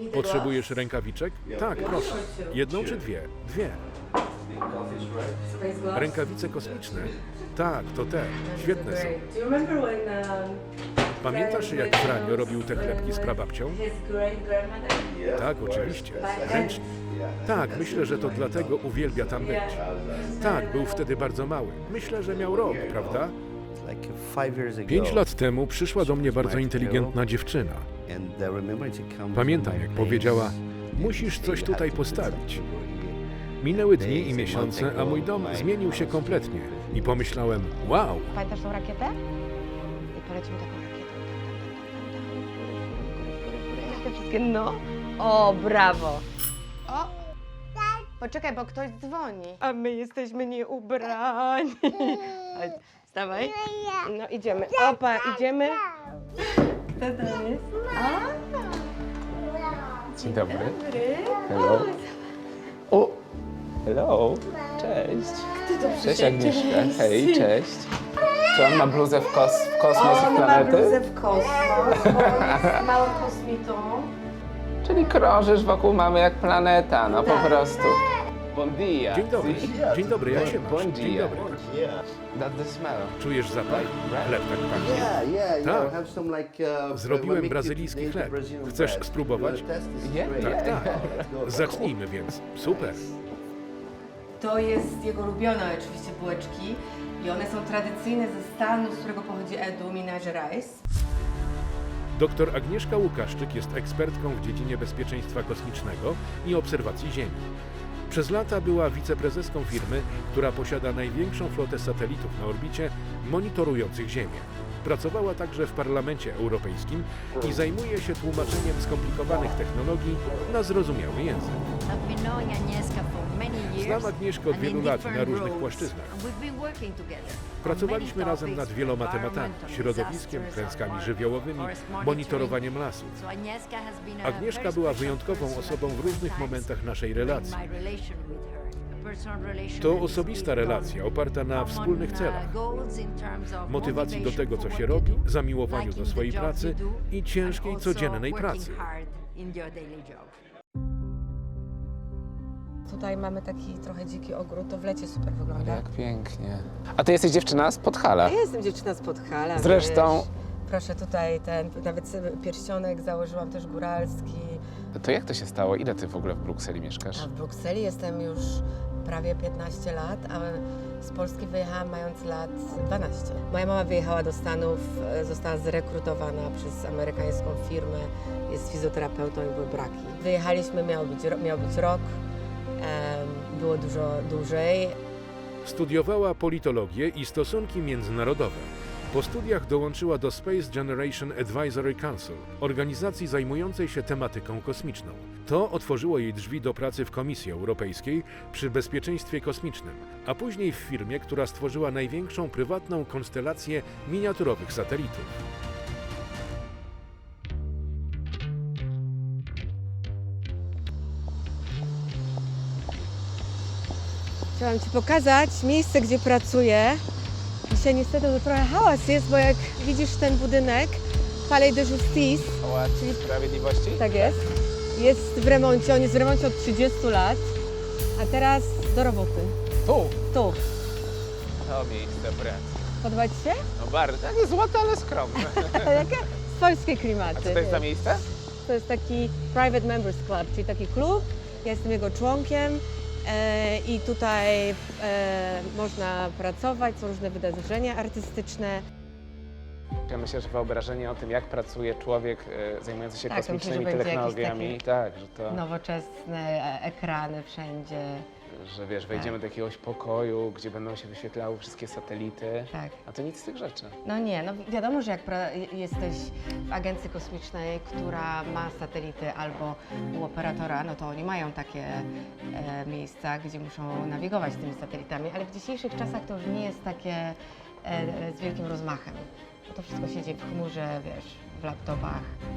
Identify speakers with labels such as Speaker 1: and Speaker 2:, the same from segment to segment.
Speaker 1: Potrzebujesz rękawiczek? Tak, proszę. Jedną czy dwie? Dwie. Rękawice kosmiczne? Tak, to te. Świetne są. Pamiętasz, jak Franio robił te chlebki z prababcią? Tak, oczywiście. Ręcznie. Tak, myślę, że to dlatego uwielbia tam być. Tak, był wtedy bardzo mały. Myślę, że miał rok, prawda? 5 lat temu przyszła do mnie bardzo inteligentna dziewczyna. Pamiętam, jak powiedziała, musisz coś tutaj postawić. Minęły dni i miesiące, a mój dom zmienił się kompletnie. I pomyślałem, wow!
Speaker 2: Pamiętasz tą rakietę? I polecimy taką rakietą. Te wszystkie, no. O, brawo. O! Poczekaj, bo ktoś dzwoni. A my jesteśmy nieubrani. Wstawaj. No idziemy. Opa, idziemy. Kto to jest?
Speaker 3: Dzień dobry. Hello. O! Hello. Cześć. Cześć Agnieszka. Hej, cześć. Czy on ma bluzę w kosmos i planety?
Speaker 2: bluzę w kosmos, z małą kosmitą.
Speaker 3: Czyli krążysz wokół mamy jak planeta, no po prostu. Bon dia.
Speaker 1: Dzień dobry, jak się masz?
Speaker 3: Bon
Speaker 1: Dzień
Speaker 3: dia.
Speaker 1: dobry.
Speaker 3: That's the smell.
Speaker 1: Czujesz zapach? Chleb tak pachnie. Tak. Zrobiłem brazylijski chleb. Chcesz spróbować? Tak, tak. Zacznijmy więc. Super.
Speaker 4: To jest jego ulubione oczywiście bułeczki i one są tradycyjne ze stanu, z którego pochodzi Edu, Minas Gerais.
Speaker 1: Doktor Agnieszka Łukaszczyk jest ekspertką w dziedzinie bezpieczeństwa kosmicznego i obserwacji Ziemi. Przez lata była wiceprezeską firmy, która posiada największą flotę satelitów na orbicie monitorujących Ziemię. Pracowała także w Parlamencie Europejskim i zajmuje się tłumaczeniem skomplikowanych technologii na zrozumiały język. Znam Agnieszkę od wielu lat na różnych płaszczyznach. Pracowaliśmy razem nad wieloma tematami, środowiskiem, klęskami żywiołowymi, monitorowaniem lasów. Agnieszka była wyjątkową osobą w różnych momentach naszej relacji. To osobista relacja oparta na wspólnych celach, motywacji do tego, co się robi, zamiłowaniu do swojej pracy i ciężkiej, codziennej pracy.
Speaker 4: Tutaj mamy taki trochę dziki ogród, to w lecie super wygląda.
Speaker 3: Jak pięknie. A ty jesteś dziewczyna z Podhala.
Speaker 4: Ja jestem dziewczyna z Podhala.
Speaker 3: Zresztą-
Speaker 4: Wiesz. Proszę tutaj nawet pierścionek założyłam też góralski.
Speaker 3: To jak to się stało? Ile ty w ogóle w Brukseli mieszkasz?
Speaker 4: A w Brukseli jestem już prawie 15 lat, a z Polski wyjechałam mając lat 12. Moja mama wyjechała do Stanów, została zrekrutowana przez amerykańską firmę, jest fizjoterapeutą i były braki. Wyjechaliśmy, miał być rok, było dużo dłużej.
Speaker 1: Studiowała politologię i stosunki międzynarodowe. Po studiach dołączyła do Space Generation Advisory Council, organizacji zajmującej się tematyką kosmiczną. To otworzyło jej drzwi do pracy w Komisji Europejskiej przy bezpieczeństwie kosmicznym, a później w firmie, która stworzyła największą prywatną konstelację miniaturowych satelitów.
Speaker 4: Chciałam Ci pokazać miejsce, gdzie pracuję. Dzisiaj niestety to trochę hałas jest, bo jak widzisz ten budynek, Palais de Justice,
Speaker 3: Pałac Sprawiedliwości?
Speaker 4: tak jest w remoncie. On jest w remoncie od 30 lat, a teraz do roboty.
Speaker 3: Tu.
Speaker 4: Tu.
Speaker 3: To miejsce, brat.
Speaker 4: Podoba Ci się?
Speaker 3: No bardzo, takie złote, ale skromne.
Speaker 4: Jakie polskie klimaty.
Speaker 3: A co to jest za
Speaker 4: wiesz.
Speaker 3: miejsce?
Speaker 4: To jest taki Private Members Club, czyli taki klub. Ja jestem jego członkiem i tutaj można pracować, są różne wydarzenia artystyczne.
Speaker 3: Ja myślę, że wyobrażenie o tym, jak pracuje człowiek zajmujący się
Speaker 4: Tak, to
Speaker 3: kosmicznymi
Speaker 4: myślę, że będzie
Speaker 3: technologiami,
Speaker 4: jakieś
Speaker 3: tak, że to,
Speaker 4: Nowoczesne ekrany wszędzie.
Speaker 3: że wiesz, wejdziemy do jakiegoś pokoju, gdzie będą się wyświetlały wszystkie satelity,
Speaker 4: Tak.
Speaker 3: a to nic z tych rzeczy.
Speaker 4: No nie, no wiadomo, że jak jesteś w agencji kosmicznej, która ma satelity albo u operatora, no to oni mają takie miejsca, gdzie muszą nawigować tymi satelitami, ale w dzisiejszych czasach to już nie jest takie z wielkim rozmachem. Bo to wszystko się dzieje w chmurze, wiesz, w laptopach.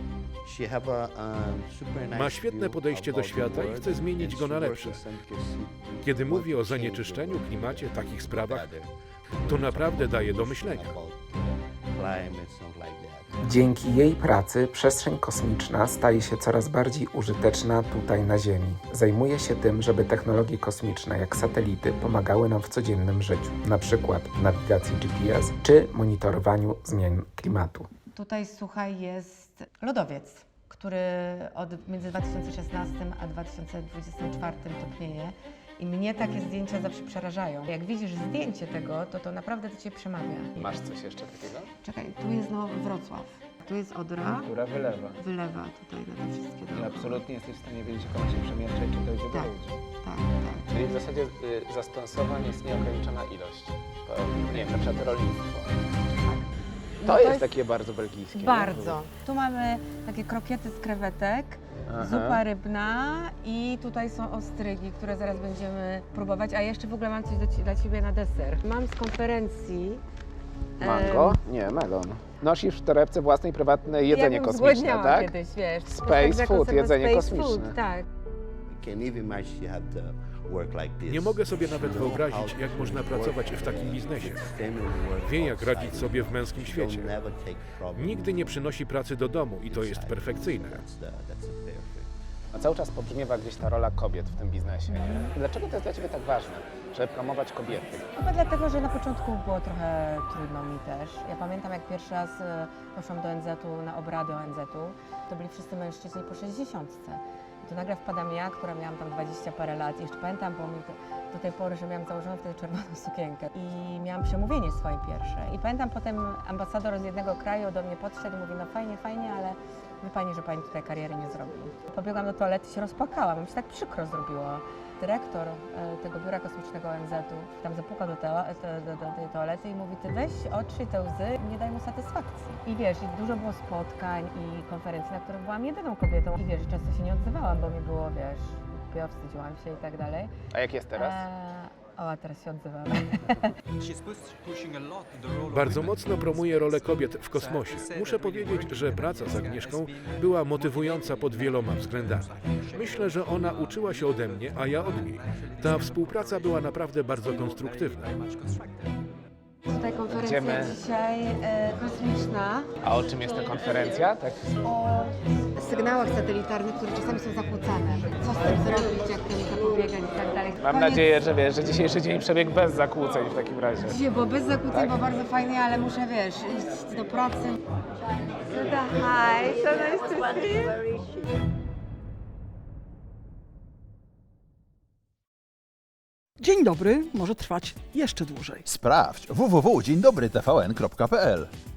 Speaker 1: Ma świetne podejście do świata i chce zmienić go na lepsze. Kiedy mówi o zanieczyszczeniu, klimacie, takich sprawach, to naprawdę daje do myślenia.
Speaker 3: Dzięki jej pracy przestrzeń kosmiczna staje się coraz bardziej użyteczna tutaj na Ziemi. Zajmuje się tym, żeby technologie kosmiczne jak satelity pomagały nam w codziennym życiu, na przykład w nawigacji GPS czy monitorowaniu zmian klimatu.
Speaker 4: Tutaj, słuchaj, jest lodowiec, który między 2016 a 2024 topnieje. I mnie takie zdjęcia zawsze przerażają. Jak widzisz zdjęcie tego, to naprawdę do Ciebie przemawia.
Speaker 3: Masz coś jeszcze takiego?
Speaker 4: Czekaj, tu jest Wrocław, tu jest Odra,
Speaker 3: Która wylewa.
Speaker 4: wylewa tutaj na te wszystkie
Speaker 3: I
Speaker 4: dookoła.
Speaker 3: absolutnie jesteś w stanie wiedzieć, jak ona się przemieszcza i czy dojdzie do
Speaker 4: Tak.
Speaker 3: ludzi.
Speaker 4: Tak, tak.
Speaker 3: Czyli w zasadzie zastosowań jest nieograniczona ilość. Nie wiem, na przykład rolnictwo.
Speaker 4: No
Speaker 3: To jest takie bardzo belgijskie. nie?
Speaker 4: Bardzo. Tu mamy takie krokiety z krewetek,
Speaker 3: Aha.
Speaker 4: zupa rybna i tutaj są ostrygi, które zaraz będziemy próbować. A jeszcze w ogóle mam coś dla Ciebie na deser. Mam z konferencji...
Speaker 3: Mango? Nie, melon. Nosisz w torebce własnej prywatne jedzenie
Speaker 4: jakbym
Speaker 3: kosmiczne,
Speaker 4: zgłodniała
Speaker 3: tak?
Speaker 4: kiedyś, wiesz.
Speaker 3: Space
Speaker 4: Tak,
Speaker 3: food,
Speaker 4: jako
Speaker 3: jedzenie
Speaker 4: space
Speaker 3: kosmiczne.
Speaker 4: Food, tak.
Speaker 1: Nie mogę sobie nawet wyobrazić, jak można pracować w takim biznesie. Wie, jak radzić sobie w męskim świecie. Nigdy nie przynosi pracy do domu i to jest perfekcyjne.
Speaker 3: A cały czas pobrzmiewa gdzieś ta rola kobiet w tym biznesie. Nie? Dlaczego to jest dla Ciebie tak ważne, żeby promować kobiety?
Speaker 4: Chyba dlatego, że na początku było trochę trudno mi też. Ja pamiętam, jak pierwszy raz poszłam do ONZ-u, na obrady ONZ-u, to byli wszyscy mężczyźni po 60. I tu nagle wpadam ja, która miałam tam 20 parę lat. I jeszcze pamiętam, bo mi do tej pory, że miałam założoną wtedy czerwoną sukienkę. I miałam przemówienie swoje pierwsze. I pamiętam potem ambasador z jednego kraju do mnie podszedł i mówi, no fajnie, fajnie, ale wie Pani, że Pani tutaj kariery nie zrobi. Pobiegłam do toalety i się rozpłakałam, mi się tak przykro zrobiło. Dyrektor tego biura kosmicznego ONZ-u tam zapukał do tej toalety i mówi, ty weź otrzyj te łzy i nie daj mu satysfakcji. I wiesz, i dużo było spotkań i konferencji, na których byłam jedyną kobietą. I wiesz, często się nie odzywałam, bo mi było, wiesz, głupio, wstydziłam się i tak dalej.
Speaker 3: A jak jest teraz?
Speaker 4: A teraz się odzywam.
Speaker 1: Bardzo mocno promuje rolę kobiet w kosmosie. Muszę powiedzieć, że praca z Agnieszką była motywująca pod wieloma względami. Myślę, że ona uczyła się ode mnie, a ja od niej. Ta współpraca była naprawdę bardzo konstruktywna.
Speaker 4: Tutaj konferencja
Speaker 3: Idziemy.
Speaker 4: dzisiaj kosmiczna
Speaker 3: A o czym jest ta konferencja? Tak.
Speaker 4: o sygnałach satelitarnych, które czasami są zakłócane. Co z tym zrobić, jak temu zapobiegać i tak dalej.
Speaker 3: Mam nadzieję, że wiesz, że dzisiejszy dzień przebiegł bez zakłóceń w takim razie.
Speaker 4: Dzisiaj było bez zakłóceń,
Speaker 3: Tak?
Speaker 4: bo bardzo fajnie, ale muszę, wiesz, iść do pracy. Hi, so nice to see you.
Speaker 5: Dzień dobry może trwać jeszcze dłużej.
Speaker 6: Sprawdź www.dzieńdobrytvn.pl